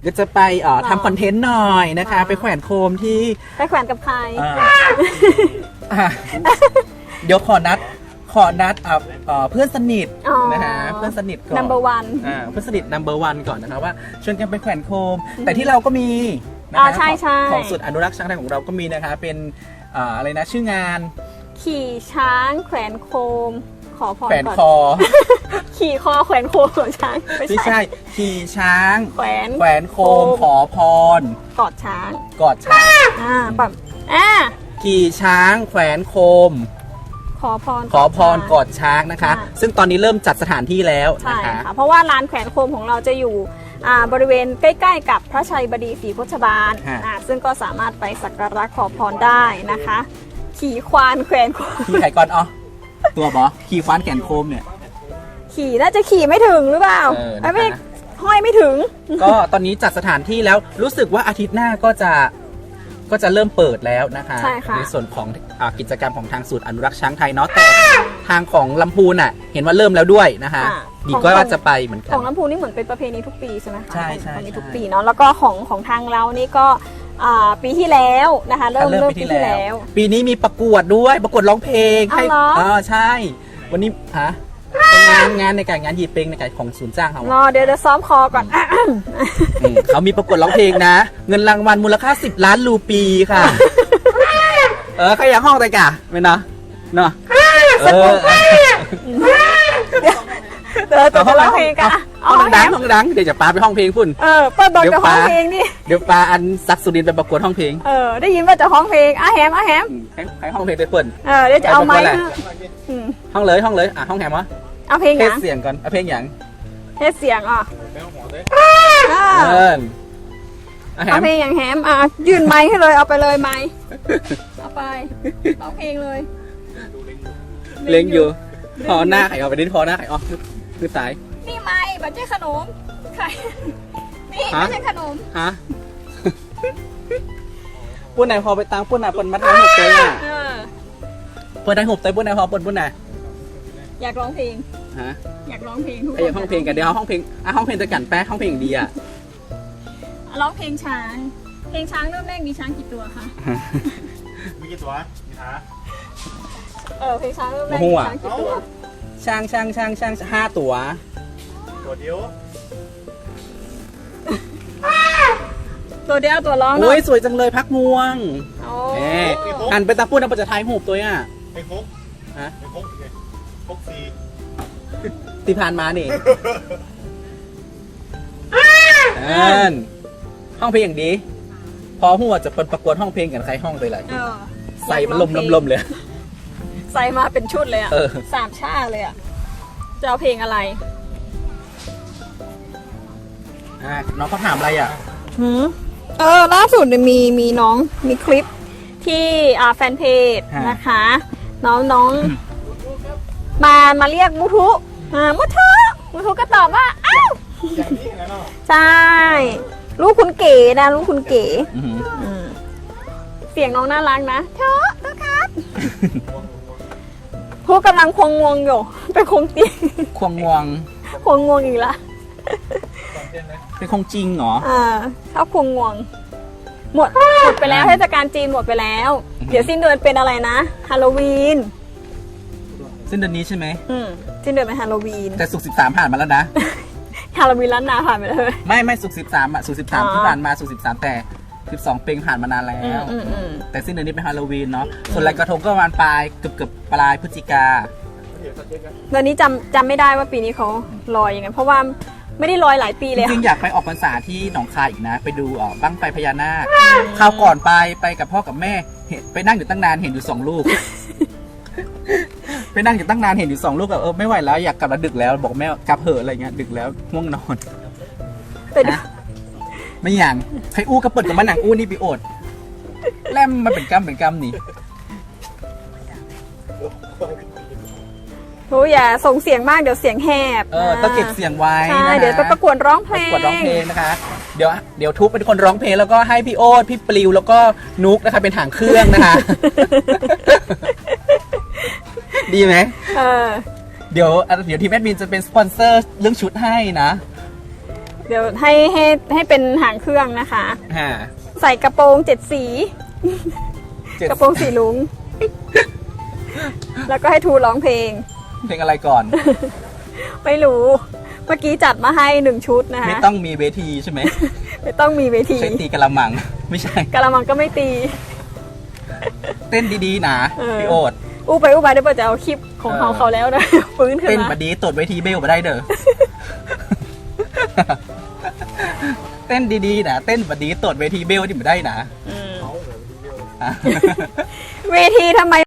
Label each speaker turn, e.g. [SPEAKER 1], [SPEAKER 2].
[SPEAKER 1] ก็จะไปทำคอนเทนต์หน่อยนะคะไปแขวนโคมที่
[SPEAKER 2] ไปแขวนกับใคร
[SPEAKER 1] เดี๋ยวขอนัดเพื่อนสนิทนะคะเพื่อนสนิทก่อน
[SPEAKER 2] number one
[SPEAKER 1] เพื่อนสนิท number one ก่อนนะคะว่าชวนกันไปแขวนโคมแต่ที่เราก็มีนะคะ
[SPEAKER 2] ใช่
[SPEAKER 1] ของศูนย์อนุรักษ์ช้างไทยของเราก็มีนะคะเป็นอะไรนะชื่องาน
[SPEAKER 2] ขี่ช้างแขวนโคมขอพร
[SPEAKER 1] แขวนคอ
[SPEAKER 2] ขี่คอแขวนโคมของช้าง
[SPEAKER 1] ไม่ใช่ขี่ช้าง
[SPEAKER 2] แข
[SPEAKER 1] วนโคมขอพร
[SPEAKER 2] กอดช้าง
[SPEAKER 1] แบบขี่ช้างแขวนโคมขอพรกอดช้างนะคะซึ่งตอนนี้เริ่มจัดสถานที่แล้วนะคะ
[SPEAKER 2] เพราะว่าลานแขวนโคมของเราจะอยู่บริเวณใกล้ๆกับพระชัยบดีศรีโคชบาลซึ่งก็สามารถไปสักการะขอพรได้นะคะขี่ควานแขวนโคม
[SPEAKER 1] ขี่ไข่ก่อนตัวบอขี่ควานแขวนโคมเนี่ย
[SPEAKER 2] ขี่น่าจะขี่ไม่ถึงหรือเปล่าไม่ห้อยไม่ถึง
[SPEAKER 1] ก็ตอนนี้จัดสถานที่แล้วรู้สึกว่าอาทิตย์หน้าก็จะเริ่มเปิดแล้วนะคะในส่วนของกิจกรรมของทางศูนย์อนุรักษ์ช้างไทยเนาะแต่ทางของลำพูนเห็นว่าเริ่มแล้วด้วยนะคะดีก็ว่าจะไปเหมือนกัน
[SPEAKER 2] ของลำพูนนี่เหมือนเป็นประเพณีทุกปีใช่ไหมคะ
[SPEAKER 1] ใช่
[SPEAKER 2] ทุกปีเนาะแล้วก็ของทางเรานี่ก็ปีที่แล้วนะคะเริ่มปีที่แล้ว
[SPEAKER 1] ปีนี้มีประกวดด้วยประกวดร้องเพลง
[SPEAKER 2] ให้
[SPEAKER 1] ใช่วันนี้งานในการงานหยิบเพลงในการของศูนย์จ้างเขา
[SPEAKER 2] เดี๋ยวซ้อมคอก่อน
[SPEAKER 1] เขามีประกวดร้องเพลงนะเงินรางวัลมูลค่า10 ล้านรูปีค่ะใครอยากห้องแต่กะไม่เนาะ
[SPEAKER 2] ตัวร้องเพลงกัน
[SPEAKER 1] ห้องดังเดี๋ยวจะปาไปห้องเพลงพุ่น
[SPEAKER 2] เปิดบอลกับห้องเพลงนี่
[SPEAKER 1] เดี๋ยวปาอันซักสุรินทร์ไปประกวดห้องเพลง
[SPEAKER 2] ได้ยินว่าจะห้องเพลงแฮม
[SPEAKER 1] ใครห้องเพลงไปเปิด
[SPEAKER 2] เดี๋ยวจะเอาไม้
[SPEAKER 1] ห้องเลยห้องแฮมวะ
[SPEAKER 2] เอาเพลงอย่าง
[SPEAKER 1] เสียงก่อนเอาเพลงอย่าง
[SPEAKER 2] เสียงเอาเพลงอย่างแฮมยื่นไม้ให้เลยเอาไปเลยไม้เอาไปเอาเพลงเลย
[SPEAKER 1] เล่งอยู่พอหน้าไข่เอาไปดิ้นพอหน้าไข่คือสาย
[SPEAKER 2] นี่ไม้บัจเจขนมไข่นี่ไม่ใช่ขนม
[SPEAKER 1] ปุ้นไหนพอไปตังปุ้นไหนปุ้นมัดน้ำหกเตยปุ้นไหนหกเตยปุ้นไหนพอปุ้นไหน
[SPEAKER 2] อยากร้องเพลงอยากร้องเพลงทุกคน
[SPEAKER 1] อยากห้องเพลงกันเดี๋ยวห้องเพลงจะกันแป๊ะห้องเพลงดี
[SPEAKER 2] ร้องเพลงช้างเริ่มแรกมีช้างกี่ตัวคะ
[SPEAKER 3] มีกี่ตัวมีท้า
[SPEAKER 2] เพลงช้างเริ่มแรกมีช้างกี่ตัว
[SPEAKER 1] ช้าง5 ตัว
[SPEAKER 3] เดียว
[SPEAKER 2] ตัวร้อง
[SPEAKER 1] โอ้ยสวยจังเลยพักม่วงหันไปตาพูดนะปัจจัยหูบตัว
[SPEAKER 3] ไอ้พกพกซี
[SPEAKER 1] ตีผ่านมานี่ห้องเพลงอย่างดีพอหัวจะประกวดห้องเพลงกันใครห้องไปเลยใส่มันลมเลย
[SPEAKER 2] ใส่มาเป็นชุดเลย3 ชาเลยจะเอาเพลงอะไร
[SPEAKER 1] น้องเขาถามอะไร
[SPEAKER 2] ล่าสุดมีน้องมีคลิปที่แฟนเพจนะคะน้องมาเรียกมุทุก็ตอบว่าอ้าวใช่ลูกคุณเก๋นะลูกคุณเก๋เสียงน้องน่ารักนะเธอครับพูดกำลังควงงวงอยู่ไปควงตี
[SPEAKER 1] ควงงว
[SPEAKER 2] งอีกละ
[SPEAKER 1] เป็นควงจริงเหรอ
[SPEAKER 2] ชอบควงงวงหมดไปแล้วเทศกาลจีนหมดไปแล้วเดี๋ยวสิ้นเดือนเป็นอะไรนะฮาโลวีน
[SPEAKER 1] สิ้นเดือนนี้ใช่ไหม
[SPEAKER 2] สิ้นเดือนเป็นฮาโลวีน
[SPEAKER 1] แต่ศุกร์13ผ่านมาแล้วนะ
[SPEAKER 2] ฮาโลวีนล้านนาผ่านไปเลย
[SPEAKER 1] ไม่ศุกร์13ศุกร์13ที่ผ่านมาศุกร์13แต่12เป็งผ่านมานานแล้วแต่สิ้นเดือนนี้เป็นฮาโลวีนเนาะส่วนลอยกระทงก็ประมาณปลายเกือบปลายพฤศจิกา
[SPEAKER 2] ตอนนี้จำไม่ได้ว่าปีนี้เขาลอยยังไงเพราะว่าไม่ได้ลอยหลายปีเลย
[SPEAKER 1] จริงอยากไปออกพรรษาที่หนองคายอีกนะไปดูบั้งไฟพญานาคคราวก่อนไปกับพ่อกับแม่ไปนั่งอยู่ตั้งนานเห็นอยู่2 ลูกไปนั่งอยู่ตั้งนานเห็นอยู่2 ลูกแบบไม่ไหวแล้วอยากกลับแล้วดึกแล้วบอกแม่กลับเหอะอะไรเงี้ยดึกแล้วง่วงนอนไม่อย่างใครอู้กระเปิดกับมันหนังอู้นี่ปีโอดแล่มมันเป็นกำนี่
[SPEAKER 2] อย่าส่งเสียงมากเดี๋ยวเสียงแหบ
[SPEAKER 1] ต้องเก็บเสียงไว้
[SPEAKER 2] ใช่เดี๋ยวไปประกวดร้องเพลง
[SPEAKER 1] นะคะเดี๋ยวทุกเป็นคนร้องเพลงแล้วก็ให้พี่โอ๊ตพี่ปลิวแล้วก็นุกนะคะเป็นหางเครื่องนะคะดีไหมเดี๋ยวทีมแอดมินจะเป็นสปอนเซอร์เรื่องชุดให้นะ
[SPEAKER 2] เดี๋ยวให้เป็นหางเครื่องนะคะ
[SPEAKER 1] ฮะ
[SPEAKER 2] ใส่กระโปรง7 สี กระโปรงสีลุง แล้วก็ให้ทูร้องเพลง
[SPEAKER 1] เพลงอะไรก่อน
[SPEAKER 2] ไม่รู้ เมื่อกี้จัดมาให้1 ชุดนะคะ
[SPEAKER 1] ไม่ต้องมีเวทีใช่ไหม
[SPEAKER 2] ไม่ต้องมีเวที
[SPEAKER 1] ใช้ตีกะละมัง ไม่ใช่
[SPEAKER 2] กะละมังก็ไม่ตี
[SPEAKER 1] เต้นดีๆนะ
[SPEAKER 2] เออ
[SPEAKER 1] พี่โอ๊ต
[SPEAKER 2] อู้ไปเดี๋ยวเปิดจะเอาคลิปของเขาแล้วนะ ฟื้นขึ้น
[SPEAKER 1] เต้น
[SPEAKER 2] มา
[SPEAKER 1] บดีตดเวทีเบลมาได้เด้อ เต้นดีๆนะเต้นบดีตดเวทีเบลที่มาได้นะ
[SPEAKER 2] อืม
[SPEAKER 3] เขาเดี๋ยว
[SPEAKER 1] อ่ะ
[SPEAKER 2] เวทีทำไม